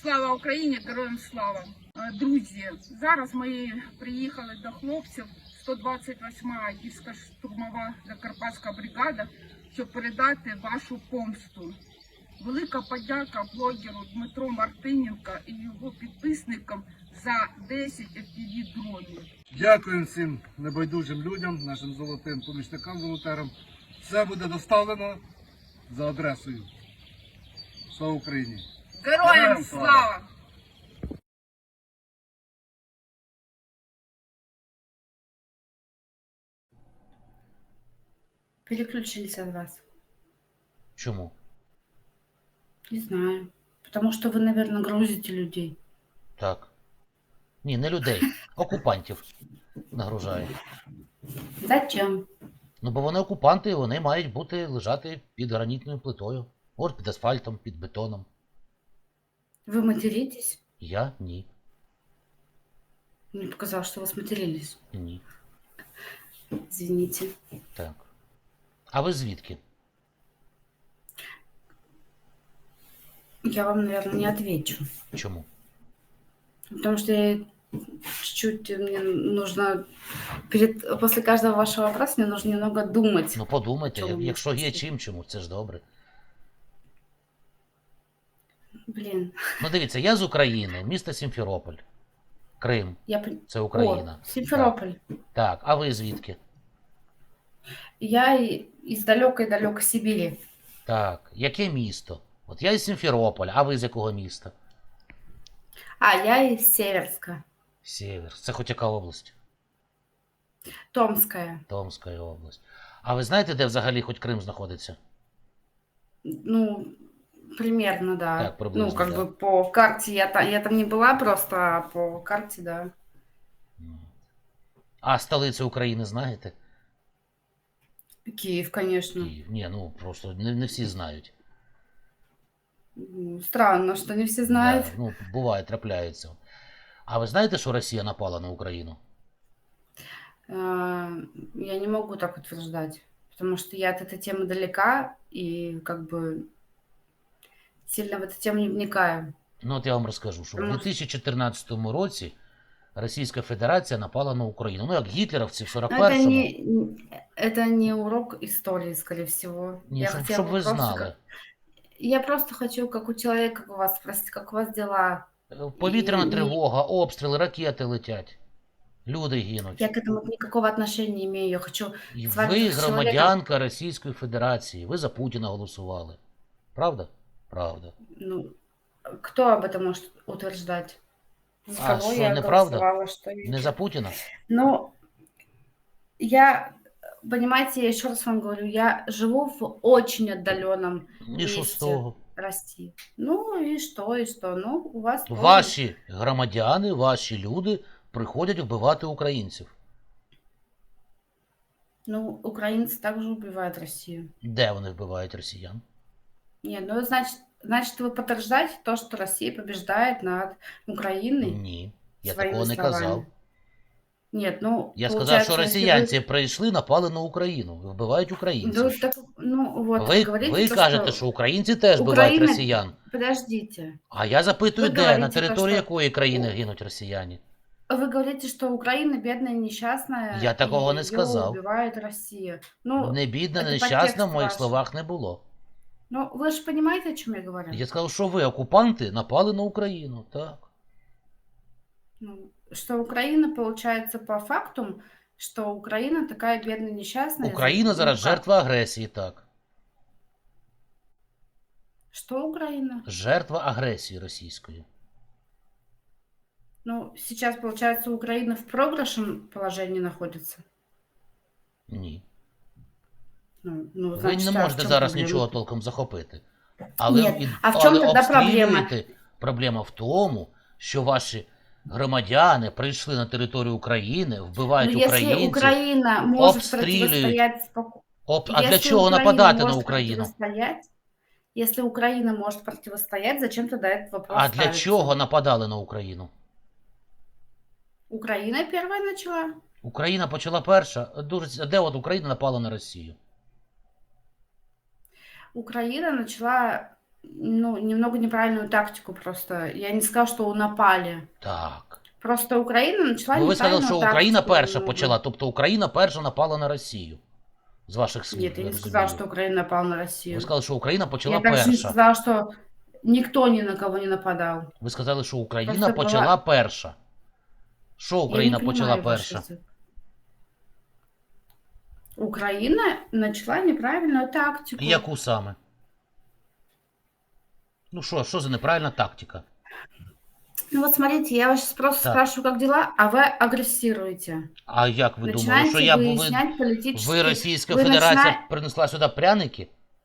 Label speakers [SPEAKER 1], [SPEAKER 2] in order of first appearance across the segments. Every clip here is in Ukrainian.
[SPEAKER 1] Слава Україні, героям слава! Друзі, зараз ми приїхали до хлопців 128-ма гірська штурмова Закарпатська бригада, щоб передати вашу помсту. Велика подяка блогеру Дмитру Мартиненко і його підписникам за 10 FPV-дронів.
[SPEAKER 2] Дякуємо всім небайдужим людям, нашим золотим помічникам-волонтерам. Все буде доставлено за адресою. Слава Україні!
[SPEAKER 1] Героям слава!
[SPEAKER 3] Переключились от вас.
[SPEAKER 4] Чому?
[SPEAKER 3] Не знаю. Потому что вы, наверное, грузите людей.
[SPEAKER 4] Так. Ні, не людей, окупантів нагружають.
[SPEAKER 3] Зачем?
[SPEAKER 4] Ну, бо вони окупанти, і вони мають бути лежати під гранітною плитою. От під асфальтом, під бетоном.
[SPEAKER 3] Вы материтесь?
[SPEAKER 4] Я? Ні.
[SPEAKER 3] Мне показалось, что вы сматерились.
[SPEAKER 4] Ні.
[SPEAKER 3] Извините.
[SPEAKER 4] Так. А ви звідки?
[SPEAKER 3] Я вам, наверное, не отвечу.
[SPEAKER 4] Чому?
[SPEAKER 3] Потому что я чуть-чуть мне нужно... После каждого вашего вопроса мне нужно немного думать.
[SPEAKER 4] Ну, подумайте,
[SPEAKER 3] Чому?
[SPEAKER 4] якщо є чому, це ж добре.
[SPEAKER 3] Блин.
[SPEAKER 4] Ну, дивіться, я з України, місто Сімферополь. Крим. Це Україна.
[SPEAKER 3] О, Симферополь.
[SPEAKER 4] Так, а ви звідки?
[SPEAKER 3] Я из далекой-далекой Сибири.
[SPEAKER 4] Так, яке місто? От я із Сімферополя, а ви з якого міста?
[SPEAKER 3] А, я из Северска.
[SPEAKER 4] Сєвєр. Це хоч яка область?
[SPEAKER 3] Томская.
[SPEAKER 4] Томська область. А ви знаєте, де взагалі хоч Крим знаходиться?
[SPEAKER 3] Ну, примерно, да.
[SPEAKER 4] Так, приблизно,
[SPEAKER 3] ну, как
[SPEAKER 4] да.
[SPEAKER 3] бы по карте я там не была просто, а по карте, да.
[SPEAKER 4] А столицю України знаєте?
[SPEAKER 3] Киев, конечно.
[SPEAKER 4] Київ. Ні, ну просто не всі знають.
[SPEAKER 3] Странно, что не все знают.
[SPEAKER 4] Да, ну, буває, трапляється. А ви знаєте, що Росія напала на Україну?
[SPEAKER 3] Я не могу так утверждать, потому что я от этой темы далека и как бы сильно в эту тему не вникаю.
[SPEAKER 4] Ну, от я вам розкажу, що в
[SPEAKER 3] Тому-
[SPEAKER 4] 2014 році Російська Федерація напала на Україну. Ну, як гітлерівці в
[SPEAKER 3] Но
[SPEAKER 4] 41-му.
[SPEAKER 3] это не урок истории, скорее всего.
[SPEAKER 4] Ні,
[SPEAKER 3] Я
[SPEAKER 4] щоб
[SPEAKER 3] хотела
[SPEAKER 4] ви
[SPEAKER 3] просто
[SPEAKER 4] знали.
[SPEAKER 3] Я просто хочу, как у человека, как у вас, спросить, как у вас дела.
[SPEAKER 4] Повітряна
[SPEAKER 3] І-
[SPEAKER 4] тривога, обстріли, ракети летять. Люди гинуть.
[SPEAKER 3] Я к этому никакого отношения не имею. Я хочу
[SPEAKER 4] І
[SPEAKER 3] з вами
[SPEAKER 4] ви
[SPEAKER 3] як з чоловіком.
[SPEAKER 4] громадянка Російської Федерації. Ви за Путіна голосували. Правда? Правда.
[SPEAKER 3] Ну, кто об этом может утверждать? За
[SPEAKER 4] А,
[SPEAKER 3] кого
[SPEAKER 4] что,
[SPEAKER 3] я
[SPEAKER 4] неправда?
[SPEAKER 3] голосовала, что я...
[SPEAKER 4] Не за Путіна?
[SPEAKER 3] Ну, понимаете, я еще раз вам говорю, я живу в очень отдаленном
[SPEAKER 4] І що з
[SPEAKER 3] месте
[SPEAKER 4] того?
[SPEAKER 3] России. Ну и что? Ну, у вас тоже.
[SPEAKER 4] Ваші громадяни, ваші люди приходять вбивати українців.
[SPEAKER 3] Ну, украинцы также убивают Россию.
[SPEAKER 4] Де вони вбивають росіян?
[SPEAKER 3] Нет, ну, значит, вы подтверждаете то, что Россия побеждает над Украиной?
[SPEAKER 4] Ні. Я
[SPEAKER 3] своими
[SPEAKER 4] такого не
[SPEAKER 3] словами.
[SPEAKER 4] казав.
[SPEAKER 3] Нет, ну,
[SPEAKER 4] Я сказав,
[SPEAKER 3] получается,
[SPEAKER 4] що
[SPEAKER 3] если
[SPEAKER 4] росіянці прийшли, напали на Україну, вбивають
[SPEAKER 3] вы...
[SPEAKER 4] українців.
[SPEAKER 3] Ну, так, ну, вот,
[SPEAKER 4] Ви
[SPEAKER 3] говорите, то,
[SPEAKER 4] кажете, що українці теж вбивають
[SPEAKER 3] Україна-
[SPEAKER 4] росіян.
[SPEAKER 3] Подождите.
[SPEAKER 4] А я запитую,
[SPEAKER 3] Ви
[SPEAKER 4] де,
[SPEAKER 3] говорите,
[SPEAKER 4] на
[SPEAKER 3] то,
[SPEAKER 4] території
[SPEAKER 3] що-
[SPEAKER 4] якої країни гинуть росіяни?
[SPEAKER 3] Вы говорите, что Украина бедная, несчастная.
[SPEAKER 4] Я такого
[SPEAKER 3] и
[SPEAKER 4] не
[SPEAKER 3] её
[SPEAKER 4] сказав.
[SPEAKER 3] убивает Россия. Ну,
[SPEAKER 4] Не бідна,
[SPEAKER 3] це
[SPEAKER 4] не
[SPEAKER 3] по
[SPEAKER 4] нещасна,
[SPEAKER 3] тексту
[SPEAKER 4] в моїх
[SPEAKER 3] ваш.
[SPEAKER 4] словах не було.
[SPEAKER 3] ну, вы же понимаете, о чем я говорю?
[SPEAKER 4] Я сказав, що ви, окупанти, напали на Україну. Так.
[SPEAKER 3] Ну, что Украина, получается, по факту, что Украина такая бедная, несчастная.
[SPEAKER 4] Україна зараз
[SPEAKER 3] Ну, как?
[SPEAKER 4] жертва агресії, так.
[SPEAKER 3] Что Украина?
[SPEAKER 4] Жертва агресії російської.
[SPEAKER 3] Ну, сейчас, получается, Украина в проигрышем положении находится.
[SPEAKER 4] Ні.
[SPEAKER 3] Ну,
[SPEAKER 4] Ви
[SPEAKER 3] значит,
[SPEAKER 4] не
[SPEAKER 3] а в
[SPEAKER 4] можете
[SPEAKER 3] чём
[SPEAKER 4] зараз
[SPEAKER 3] проблема?
[SPEAKER 4] нічого толком захопити. Але,
[SPEAKER 3] Ні, а в чому
[SPEAKER 4] але
[SPEAKER 3] тоді проблема?
[SPEAKER 4] обстрілюєте. Проблема в тому, що ваші громадяни прийшли на територію України, вбивають
[SPEAKER 3] Ну, если
[SPEAKER 4] українців.
[SPEAKER 3] Украина может
[SPEAKER 4] обстреливают.
[SPEAKER 3] противостоять спокойно.
[SPEAKER 4] А для чого нападати на Україну?
[SPEAKER 3] Если Украина может противостоять, зачем тогда этот вопрос
[SPEAKER 4] А для
[SPEAKER 3] ставится?
[SPEAKER 4] чого нападали на Україну?
[SPEAKER 3] Украина первая начала.
[SPEAKER 4] Україна почала перша. А де от Україна напала на Росію?
[SPEAKER 3] Украина начала ну, немного неправильную тактику просто. Я не сказала, что напали.
[SPEAKER 4] Так.
[SPEAKER 3] Просто Украина начала
[SPEAKER 4] Ну, ви сказали,
[SPEAKER 3] неправильную
[SPEAKER 4] що Україна
[SPEAKER 3] тактику
[SPEAKER 4] перша
[SPEAKER 3] немного.
[SPEAKER 4] почала, тобто Україна перша напала на Росію. З ваших слів,
[SPEAKER 3] Нет, я
[SPEAKER 4] я
[SPEAKER 3] не сказала,
[SPEAKER 4] розумію.
[SPEAKER 3] что Украина напала на
[SPEAKER 4] Ви
[SPEAKER 3] Россию.
[SPEAKER 4] сказали, що Україна
[SPEAKER 3] Я
[SPEAKER 4] почала
[SPEAKER 3] также не
[SPEAKER 4] перша.
[SPEAKER 3] сказала, что никто ни на кого не нападал.
[SPEAKER 4] Ви сказали, що Україна
[SPEAKER 3] Просто
[SPEAKER 4] почала
[SPEAKER 3] была...
[SPEAKER 4] перша. Що
[SPEAKER 3] Я не
[SPEAKER 4] Україна почала
[SPEAKER 3] понимаю ваш
[SPEAKER 4] перша?
[SPEAKER 3] язык. Украина начала неправильную тактику.
[SPEAKER 4] Яку саме? Ну що за неправильна тактика?
[SPEAKER 3] Ну вот смотрите, я вас сейчас просто
[SPEAKER 4] Так.
[SPEAKER 3] спрашиваю, как дела, а вы агрессируете.
[SPEAKER 4] А як ви думали,
[SPEAKER 3] Начинаете
[SPEAKER 4] що
[SPEAKER 3] выяснять
[SPEAKER 4] ви
[SPEAKER 3] политические...
[SPEAKER 4] Російська
[SPEAKER 3] Вы,
[SPEAKER 4] Федерація принесла сюди пряники?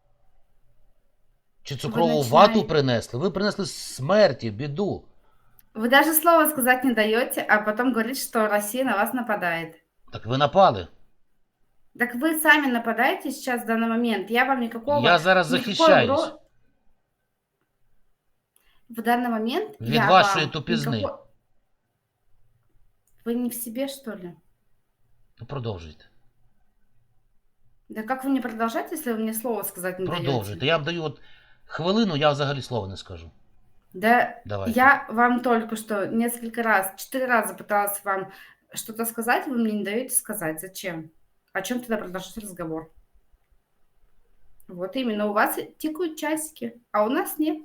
[SPEAKER 4] Чи цукрову вату принесли? Ви принесли смерті, біду.
[SPEAKER 3] Вы даже слова сказать не даете, а потом говорите, что Россия на вас нападает.
[SPEAKER 4] Так ви напали.
[SPEAKER 3] Так вы сами нападаете сейчас в данный момент. Я вам никакого...
[SPEAKER 4] Я зараз
[SPEAKER 3] никакой
[SPEAKER 4] захищаюсь.
[SPEAKER 3] В данный момент
[SPEAKER 4] Від
[SPEAKER 3] я
[SPEAKER 4] вашої
[SPEAKER 3] вам
[SPEAKER 4] тупізни.
[SPEAKER 3] никакой... Вы не в себе, что ли?
[SPEAKER 4] Ну, продовжуйте.
[SPEAKER 3] Да как вы не продолжаете, если вы мне слово сказать не
[SPEAKER 4] Продовжуйте.
[SPEAKER 3] даете?
[SPEAKER 4] Я вам даю от хвилину, я взагалі слова не скажу.
[SPEAKER 3] Да,
[SPEAKER 4] Давайте.
[SPEAKER 3] я вам только что несколько раз, 4 раза пыталась вам что-то сказать, вы мне не даете сказать. Зачем? О чем тогда продолжать разговор? Вот именно, у вас тикают часики, а у нас нет.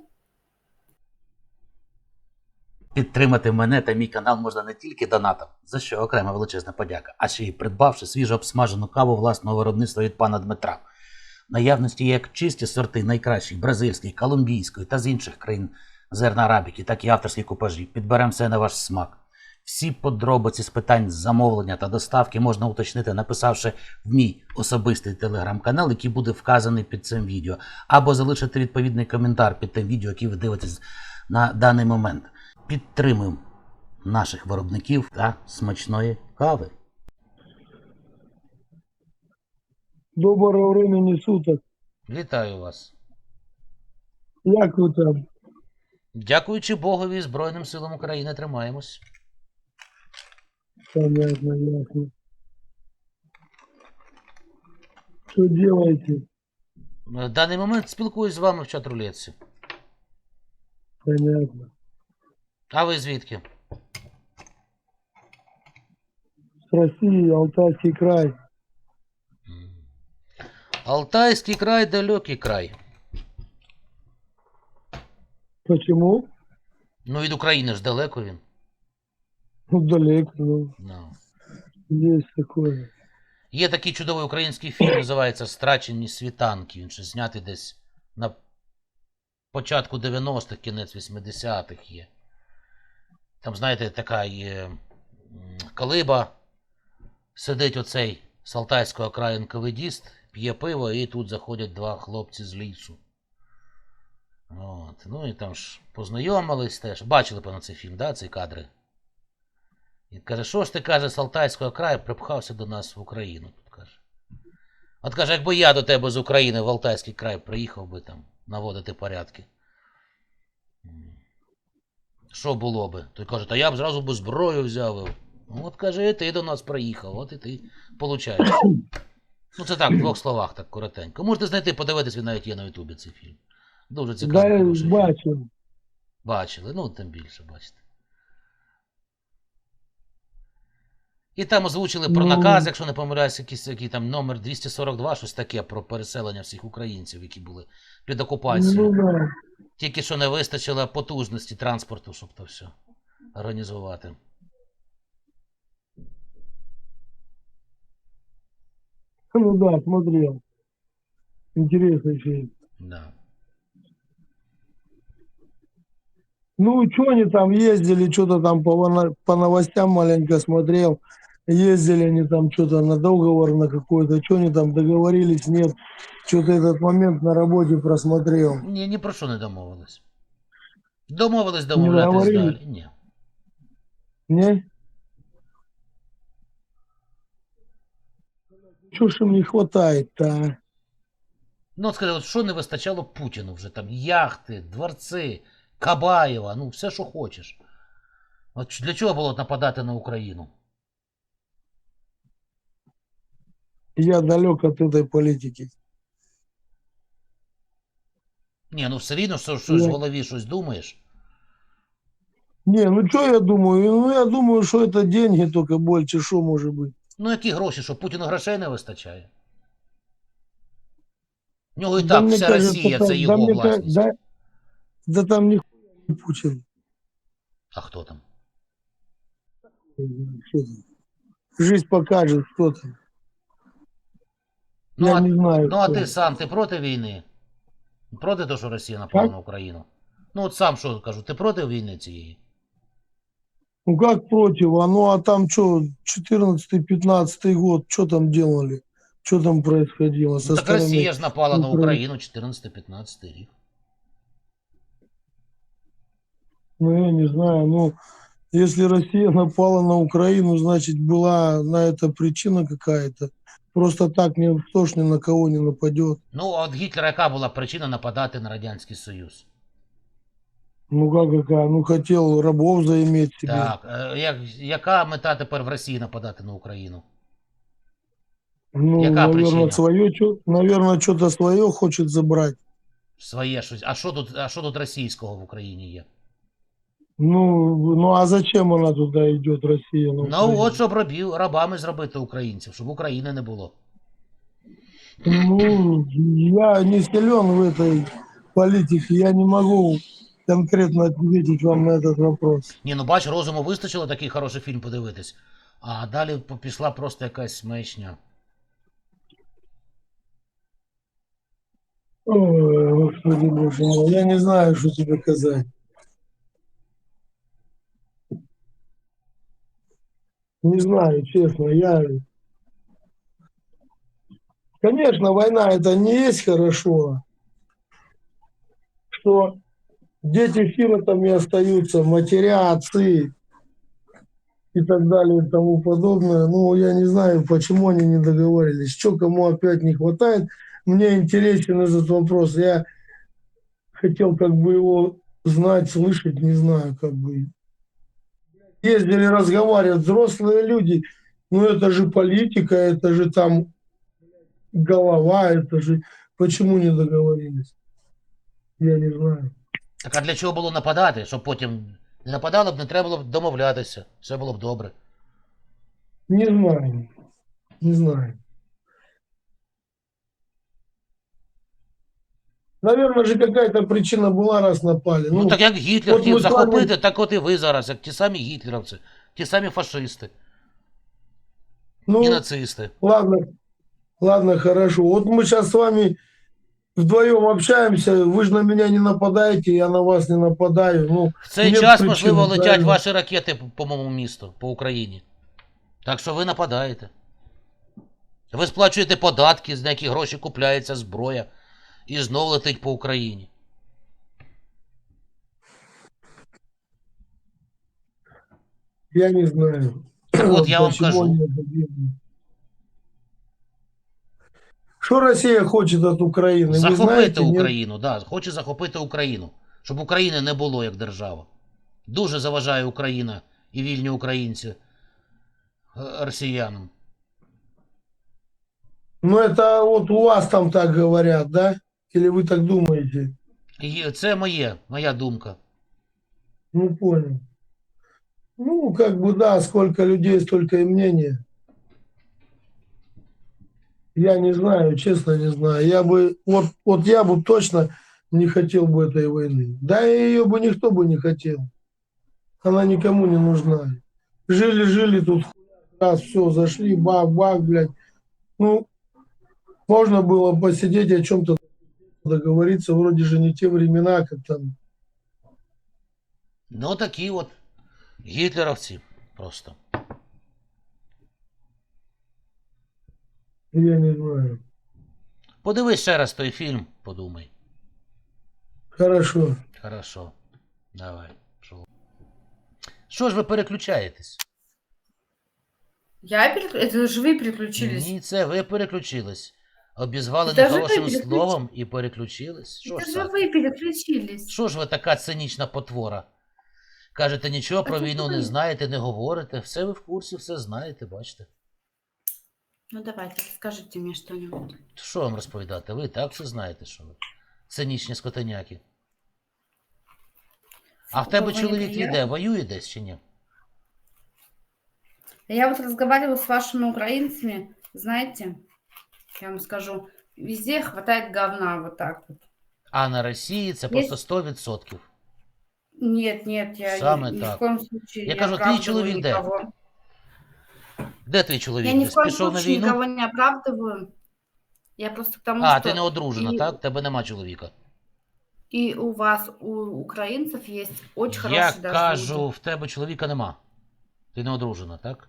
[SPEAKER 4] Підтримати мене та мій канал можна не тільки донатом, за що окрема величезна подяка, а ще й придбавши свіжо обсмажену каву власного виробництва від пана Дмитра. В наявності є як чисті сорти найкращих бразильської, колумбійської та з інших країн зерна арабіки, так і авторські купажі. Підберемо все на ваш смак. Всі подробиці з питань замовлення та доставки можна уточнити, написавши в мій особистий телеграм-канал, який буде вказаний під цим відео, або залишити відповідний коментар під тим відео, яке ви дивитесь на даний момент. Підтримуємо наших виробників та смачної кави.
[SPEAKER 5] Доброго времени суток.
[SPEAKER 4] Вітаю вас.
[SPEAKER 5] Як ви там?
[SPEAKER 4] Дякуючи Богові і Збройним силам України, тримаємось.
[SPEAKER 5] Понятно, ясно. Що делаете?
[SPEAKER 4] В даний момент спілкуюсь з вами в чат-рулетці.
[SPEAKER 5] Понятно.
[SPEAKER 4] А ви звідки?
[SPEAKER 5] С России, Алтайский край.
[SPEAKER 4] Алтайський край, далекий край.
[SPEAKER 5] Почему?
[SPEAKER 4] Ну, від України ж далеко він.
[SPEAKER 5] Ну, далеко, ну,
[SPEAKER 4] Ну.
[SPEAKER 5] есть такое.
[SPEAKER 4] Є такий чудовий український фільм, називається «Страчені світанки». Він ще знятий десь на початку 90-х, кінець 80-х є. Там, знаєте, така є колиба, сидить оцей з Алтайського краю НКВДіст, п'є пиво, і тут заходять два хлопці з лісу. От. Ну і там ж познайомились теж. Бачили, певно, цей фільм, да, ці кадри? І каже, що ж ти, каже, з Алтайського краю припхався до нас в Україну. Тут каже. От каже, якби я до тебе з України в Алтайський край приїхав би там наводити порядки. Що було би? Той каже, та я б зразу би зброю взяв. От каже, і ти до нас приїхав, от і ти получаєш. Ну це так, в двох словах, так коротенько. Можете знайти, подивитись, він навіть є на Ютубі цей фільм. Дуже цікавий.
[SPEAKER 5] Да,
[SPEAKER 4] хороший фільм.
[SPEAKER 5] бачу.
[SPEAKER 4] Бачили, ну тим більше, бачите. І там озвучили про наказ, якщо не помиляюсь, який там номер 242, щось таке, про переселення всіх українців, які були під окупацією.
[SPEAKER 5] Ну, да.
[SPEAKER 4] Тільки що не вистачило потужності транспорту, щоб то все організувати.
[SPEAKER 5] Ну да, смотрел. Интересный фильм.
[SPEAKER 4] Да.
[SPEAKER 5] Ну, что они там ездили, что-то там по новостям маленько смотрел. Ездили они там что-то на договор на какой-то, что они там договорились, нет. Что-то этот момент на работе просмотрел.
[SPEAKER 4] Ні про що не домовились. Домовились домовлятись
[SPEAKER 5] договорились?
[SPEAKER 4] далі. Ні.
[SPEAKER 5] Не? Чего ж им не хватает-то, а?
[SPEAKER 4] Ну, от скажи, от що не вистачало Путіну вже там? Яхти, дворці, Кабаєва, ну все, що хочеш. От для чого було нападати на Україну?
[SPEAKER 5] Я далек от этой политики.
[SPEAKER 4] Ні, ну все рівно, щось в
[SPEAKER 5] Я-
[SPEAKER 4] голові щось думаєш.
[SPEAKER 5] Не, ну что я думаю? Ну я думаю, что это деньги только больше, что может быть.
[SPEAKER 4] Ну які гроші, що Путіну грошей не вистачає? В нього і
[SPEAKER 5] Да
[SPEAKER 4] так
[SPEAKER 5] мне
[SPEAKER 4] вся
[SPEAKER 5] кажется,
[SPEAKER 4] Росія це
[SPEAKER 5] да
[SPEAKER 4] його
[SPEAKER 5] мне
[SPEAKER 4] власність.
[SPEAKER 5] да там не Путин.
[SPEAKER 4] А хто там?
[SPEAKER 5] Что там? Жизнь покажет, кто там.
[SPEAKER 4] Ну,
[SPEAKER 5] Я не знаю.
[SPEAKER 4] ну а
[SPEAKER 5] кто.
[SPEAKER 4] ти сам, ти проти війни? Проти того, що Росія напала
[SPEAKER 5] Как?
[SPEAKER 4] на Україну? Ну от сам що кажу, ти проти війни цієї?
[SPEAKER 5] Ну как против? А ну а там что, 14-15 год, что там делали? Что там происходило со
[SPEAKER 4] Ну так
[SPEAKER 5] стороны
[SPEAKER 4] Росія ж напала на
[SPEAKER 5] Украины?
[SPEAKER 4] Україну 14-15 рік.
[SPEAKER 5] Ну я не знаю, ну если Россия напала на Украину, значит была на это причина какая-то. Просто так никто ж ни на кого не нападет.
[SPEAKER 4] Ну, а от Гітлера яка була причина нападати на Радянський Союз?
[SPEAKER 5] Ну как какая? Ну хотел рабов заиметь себе.
[SPEAKER 4] Так, яка мета тепер в Росії нападати на Україну?
[SPEAKER 5] Ну,
[SPEAKER 4] Яка
[SPEAKER 5] наверное,
[SPEAKER 4] причина?
[SPEAKER 5] наверное, что-то свое хочет забрать.
[SPEAKER 4] Своє щось. А що тут російського в Україні є?
[SPEAKER 5] Ну а зачем она туда идет, Россия? На
[SPEAKER 4] Ну
[SPEAKER 5] Украину?
[SPEAKER 4] от щоб рабами зробити українців, щоб України не було.
[SPEAKER 5] Ну, я не силен в этой политике, я не могу конкретно ответить вам на этот вопрос.
[SPEAKER 4] Ні, ну бач, розуму вистачило такий хороший фільм подивитись. А далі пішла просто якась маячня.
[SPEAKER 5] Ой, Господи Боже мой, я не знаю, что тебе сказать. Не знаю, честно, Конечно, война это не есть хорошо, что дети сиротами остаются, матеря, отцы и так далее и тому подобное. Ну, я не знаю, почему они не договорились, что кому опять не хватает. Мне интересен этот вопрос. Я хотел как бы его знать, слышать, не знаю, как бы. Ездили разговаривать, взрослые люди, ну это же политика, это же там голова, это же... Почему не договорились? Я не знаю.
[SPEAKER 4] Так а для чого було нападати? Щоб потім не нападало б, не треба було б домовлятися. Все було б добре.
[SPEAKER 5] Не знаю. Не знаю. Наверное же какая-то причина была, раз напали.
[SPEAKER 4] Ну так як Гітлер
[SPEAKER 5] от
[SPEAKER 4] хотів
[SPEAKER 5] ми з вами-
[SPEAKER 4] захопити, так от і ви зараз, як ті самі гітлерівці, ті самі фашисти і
[SPEAKER 5] ну
[SPEAKER 4] нацисти.
[SPEAKER 5] ладно, хорошо. Вот мы сейчас с вами вдвоем общаемся, вы же на меня не нападаете, я на вас не нападаю. Ну,
[SPEAKER 4] В цей
[SPEAKER 5] нет
[SPEAKER 4] час,
[SPEAKER 5] причин,
[SPEAKER 4] можливо, летять
[SPEAKER 5] правильно?
[SPEAKER 4] ваші ракети по моєму місту, по Україні. Так що ви нападаєте. Ви сплачуєте податки, за які гроші купляється зброя, і знов летить по Україні.
[SPEAKER 5] Я не знаю.
[SPEAKER 4] От я вам
[SPEAKER 5] почему
[SPEAKER 4] кажу.
[SPEAKER 5] они это делают. Что Россия хочет от Украины? Вы
[SPEAKER 4] Захопити
[SPEAKER 5] знаете, нет?
[SPEAKER 4] Україну, да, хоче захопити Україну. Щоб України не було як держава. Дуже заважає Україна і вільні українці росіянам.
[SPEAKER 5] Ну, это вот у вас там так говорят, да? Или вы так думаете?
[SPEAKER 4] І це моя думка.
[SPEAKER 5] Ну, понял. Ну, как бы, да, сколько людей, столько и мнения. Я не знаю, честно не знаю. Я бы, вот я бы точно не хотел бы этой войны. Да и ее бы никто бы не хотел. Она никому не нужна. Жили тут, раз, все, зашли, бах, блядь. Ну, можно было посидеть о чем-то договориться, вроде же не те времена, как там.
[SPEAKER 4] Ну такі от гітлеровці просто.
[SPEAKER 5] Я не знаю.
[SPEAKER 4] Подивись ще раз той фільм, подумай.
[SPEAKER 5] Хорошо.
[SPEAKER 4] Хорошо. Давай. Що ж ви переключаєтесь?
[SPEAKER 3] Это же вы переключились.
[SPEAKER 4] Ні, це ви переключились. Обізвали
[SPEAKER 3] Це ж ви
[SPEAKER 4] нехорошим
[SPEAKER 3] переключились.
[SPEAKER 4] словом і переключились. Що
[SPEAKER 3] Это
[SPEAKER 4] ж
[SPEAKER 3] же
[SPEAKER 4] так?
[SPEAKER 3] вы переключились.
[SPEAKER 4] Що ж ви така цинічна потвора? Кажете, нічого про
[SPEAKER 3] це
[SPEAKER 4] війну
[SPEAKER 3] ви.
[SPEAKER 4] не знаєте, не говорите. Все ви в курсі, все знаєте, бачите.
[SPEAKER 3] Ну давайте, скажите мне что-нибудь.
[SPEAKER 4] Що вам розповідати? Ви і так все знаєте, що ви. Цинічні скотиняки. А в тебе
[SPEAKER 3] Такого не
[SPEAKER 4] чоловік
[SPEAKER 3] приємно.
[SPEAKER 4] іде, воює десь чи ні?
[SPEAKER 3] Я вот разговариваю с вашими украинцами, знаете, я вам скажу, везде хватает говна вот так вот.
[SPEAKER 4] А на Росії це просто 100%.
[SPEAKER 3] Нет, нет, я
[SPEAKER 4] Саме
[SPEAKER 3] ни в
[SPEAKER 4] так.
[SPEAKER 3] коем случае
[SPEAKER 4] Я
[SPEAKER 3] не
[SPEAKER 4] кажу, твій
[SPEAKER 3] оправдываю
[SPEAKER 4] чоловік де?
[SPEAKER 3] никого.
[SPEAKER 4] Де твій чоловік?
[SPEAKER 3] Я ни в
[SPEAKER 4] Десь
[SPEAKER 3] коем
[SPEAKER 4] пішов на
[SPEAKER 3] случае
[SPEAKER 4] війну?
[SPEAKER 3] никого не оправдываю. Я просто к тому,
[SPEAKER 4] А,
[SPEAKER 3] что
[SPEAKER 4] ти не одружена,
[SPEAKER 3] и,
[SPEAKER 4] так? Тебе нема чоловіка.
[SPEAKER 3] и у вас, у украинцев есть очень
[SPEAKER 4] Я
[SPEAKER 3] хорошие даже
[SPEAKER 4] кажу,
[SPEAKER 3] люди.
[SPEAKER 4] в тебе чоловіка нема. Ти не одружена, так?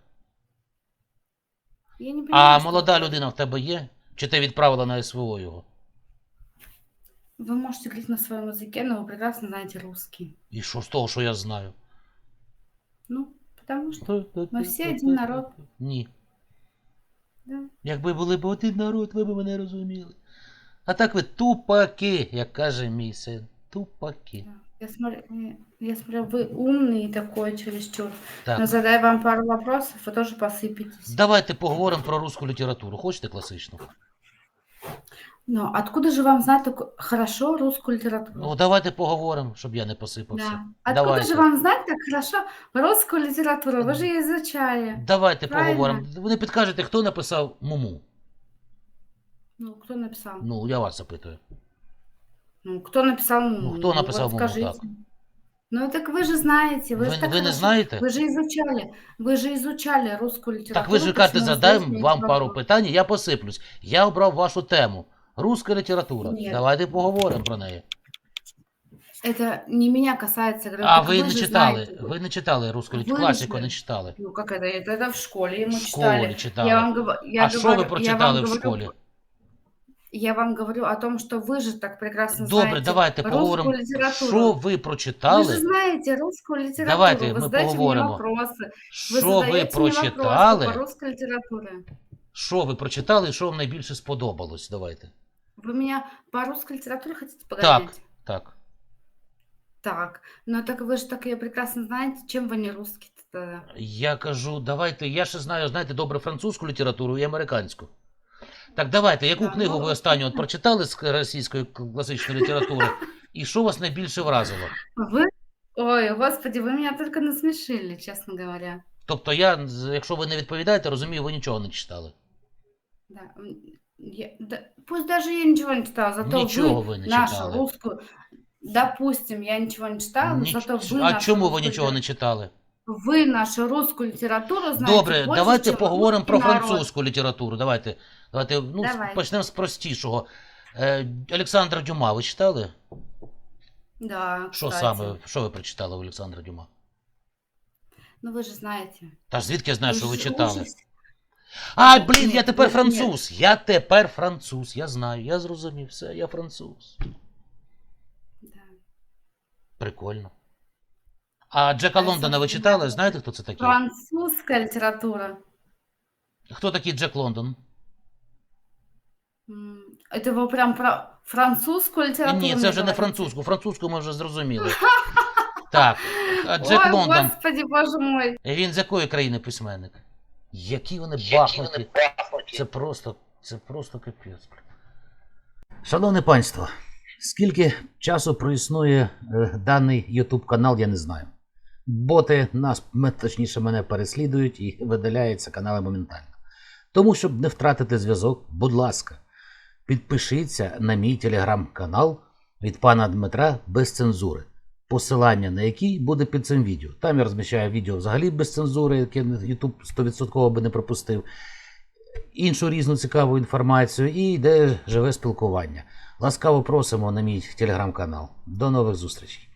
[SPEAKER 3] Я не
[SPEAKER 4] А
[SPEAKER 3] понимаю, что
[SPEAKER 4] молода
[SPEAKER 3] вы-
[SPEAKER 4] людина в тебе є? Чи ти відправила на СВО його?
[SPEAKER 3] Вы можете говорить на своем языке, но вы прекрасно знаете русский.
[SPEAKER 4] І що з того, що я знаю?
[SPEAKER 3] Ну, потому что ми всі один народ.
[SPEAKER 4] Ні.
[SPEAKER 3] Да.
[SPEAKER 4] Якби були б один народ, ви б мене розуміли. А так ви тупаки, як каже мій син. Тупаки.
[SPEAKER 3] Да. Я смотрю, вы умный такой чересчур. Но
[SPEAKER 4] Так.
[SPEAKER 3] задаю вам пару вопросов, вы тоже посыпетесь.
[SPEAKER 4] Давайте поговоримо про русську літературу. Хочете класичну?
[SPEAKER 3] Но откуда же вам знать так хорошо русскую литературу?
[SPEAKER 4] Ну, давайте поговоримо, щоб я не посипався.
[SPEAKER 3] Да. Откуда
[SPEAKER 4] Давайте.
[SPEAKER 3] же вам знать так хорошо русскую литературу? Вы же ее изучали.
[SPEAKER 4] Давайте
[SPEAKER 3] Правильно.
[SPEAKER 4] поговоримо. Ви не підкажете, хто написав Муму?
[SPEAKER 3] Ну, кто написал?
[SPEAKER 4] Ну, я вас запитую.
[SPEAKER 3] Ну, кто написал Муму?
[SPEAKER 4] Ну, кто написал
[SPEAKER 3] вот
[SPEAKER 4] Муму,
[SPEAKER 3] скажите.
[SPEAKER 4] так.
[SPEAKER 3] Ну, так вы же знаете, вы,
[SPEAKER 4] Ви,
[SPEAKER 3] же так
[SPEAKER 4] ви не
[SPEAKER 3] хорошо-
[SPEAKER 4] знаєте?
[SPEAKER 3] Вы же изучали русскую литературу.
[SPEAKER 4] Так ви ж кажете,
[SPEAKER 3] почему
[SPEAKER 4] задаємо
[SPEAKER 3] здесь
[SPEAKER 4] вам
[SPEAKER 3] нет
[SPEAKER 4] пару
[SPEAKER 3] вопросов?
[SPEAKER 4] питань, і я посиплюсь. Я обрав вашу тему. Руська література.
[SPEAKER 3] Ні.
[SPEAKER 4] Давайте поговоримо про неї.
[SPEAKER 3] Это не меня касается. Говорю,
[SPEAKER 4] А
[SPEAKER 3] так
[SPEAKER 4] ви
[SPEAKER 3] вы
[SPEAKER 4] не
[SPEAKER 3] же
[SPEAKER 4] читали.
[SPEAKER 3] знаете.
[SPEAKER 4] Ви не читали русську
[SPEAKER 3] Ви
[SPEAKER 4] літературу.
[SPEAKER 3] ж
[SPEAKER 4] Класику
[SPEAKER 3] не-
[SPEAKER 4] не читали.
[SPEAKER 3] Ну, как это? Это в школе ему
[SPEAKER 4] В
[SPEAKER 3] читали.
[SPEAKER 4] школі читали.
[SPEAKER 3] Я вам, говорю,
[SPEAKER 4] А що ви прочитали в школі?
[SPEAKER 3] Я вам говорю о том, что вы же так прекрасно
[SPEAKER 4] Добре,
[SPEAKER 3] знаете
[SPEAKER 4] давайте
[SPEAKER 3] русскую
[SPEAKER 4] поговоримо.
[SPEAKER 3] литературу.
[SPEAKER 4] Що ви
[SPEAKER 3] Вы же
[SPEAKER 4] прочитали?
[SPEAKER 3] знаете русскую литературу.
[SPEAKER 4] Давайте
[SPEAKER 3] вы
[SPEAKER 4] ми
[SPEAKER 3] задаете мне
[SPEAKER 4] поговоримо.
[SPEAKER 3] вопросы. Вы
[SPEAKER 4] Що ви
[SPEAKER 3] задаете мне вопросы
[SPEAKER 4] прочитали?
[SPEAKER 3] по русской литературе.
[SPEAKER 4] Що ви прочитали і що вам найбільше сподобалось? Давайте.
[SPEAKER 3] Вы меня по русской литературе хотите погонять?
[SPEAKER 4] Так, так.
[SPEAKER 3] Так. Ну так вы же так ее прекрасно знаете. Чем вы не русский тогда?
[SPEAKER 4] Я кажу, давайте, я ще знаю, знаєте, добре французьку літературу і американську. Так давайте, яку
[SPEAKER 3] Да,
[SPEAKER 4] книгу
[SPEAKER 3] ну,
[SPEAKER 4] ви останню от прочитали з російської класичної літератури? І що вас найбільше вразило?
[SPEAKER 3] Вы? Ой, господи, вы меня только насмешили, честно говоря.
[SPEAKER 4] Тобто я, якщо ви не відповідаєте, розумію, ви нічого не читали.
[SPEAKER 3] Да. Пусть даже я ничего не читала, зато
[SPEAKER 4] Нічого
[SPEAKER 3] вы
[SPEAKER 4] ви не
[SPEAKER 3] нашу
[SPEAKER 4] читали.
[SPEAKER 3] русскую... Допустим, я ничего не читала, но зато вы
[SPEAKER 4] А
[SPEAKER 3] нашу
[SPEAKER 4] чому ви
[SPEAKER 3] русскую
[SPEAKER 4] нічого не читали?
[SPEAKER 3] Вы нашу русскую литературу знаете
[SPEAKER 4] Добре,
[SPEAKER 3] больше,
[SPEAKER 4] давайте
[SPEAKER 3] чем
[SPEAKER 4] поговоримо про
[SPEAKER 3] русский народ.
[SPEAKER 4] французьку літературу. Давайте ну,
[SPEAKER 3] Давай.
[SPEAKER 4] почнемо з простішого. Олександра Дюма ви читали?
[SPEAKER 3] Да,
[SPEAKER 4] Що
[SPEAKER 3] кстати.
[SPEAKER 4] саме, що ви прочитали у Олександра Дюма?
[SPEAKER 3] Ну вы же знаете.
[SPEAKER 4] Та ж звідки я знаю, що ви
[SPEAKER 3] же
[SPEAKER 4] читали?
[SPEAKER 3] ужас.
[SPEAKER 4] А, блін, я
[SPEAKER 3] Ні,
[SPEAKER 4] тепер
[SPEAKER 3] ні,
[SPEAKER 4] француз. Я тепер француз. Я знаю, я зрозумів все, я француз.
[SPEAKER 3] Да.
[SPEAKER 4] Прикольно. А Джека
[SPEAKER 3] А
[SPEAKER 4] Лондона ви
[SPEAKER 3] це
[SPEAKER 4] читали?
[SPEAKER 3] знаю.
[SPEAKER 4] Знаєте, хто це такий?
[SPEAKER 3] Французская литература.
[SPEAKER 4] Хто такий Джек Лондон?
[SPEAKER 3] Это вы прям про французскую литературу
[SPEAKER 4] Ні,
[SPEAKER 3] мне
[SPEAKER 4] це вже не
[SPEAKER 3] говорите?
[SPEAKER 4] французьку. Французьку ми вже зрозуміли. Так, а Джек
[SPEAKER 3] Ой,
[SPEAKER 4] Лондон.
[SPEAKER 3] господи, боже мой.
[SPEAKER 4] Він з якої країни письменник? Які вони бахнуті. Це просто капець. Шановне панство, скільки часу проіснує даний YouTube канал, я не знаю. Боти нас, точніше мене переслідують і видаляються канали моментально. Тому, щоб не втратити зв'язок, будь ласка, підпишіться на мій телеграм-канал від пана Дмитра без цензури. Посилання на який буде під цим відео. Там я розміщаю відео взагалі без цензури, яке YouTube 100% би не пропустив. Іншу різну цікаву інформацію і йде живе спілкування. Ласкаво просимо на мій телеграм-канал. До нових зустрічей.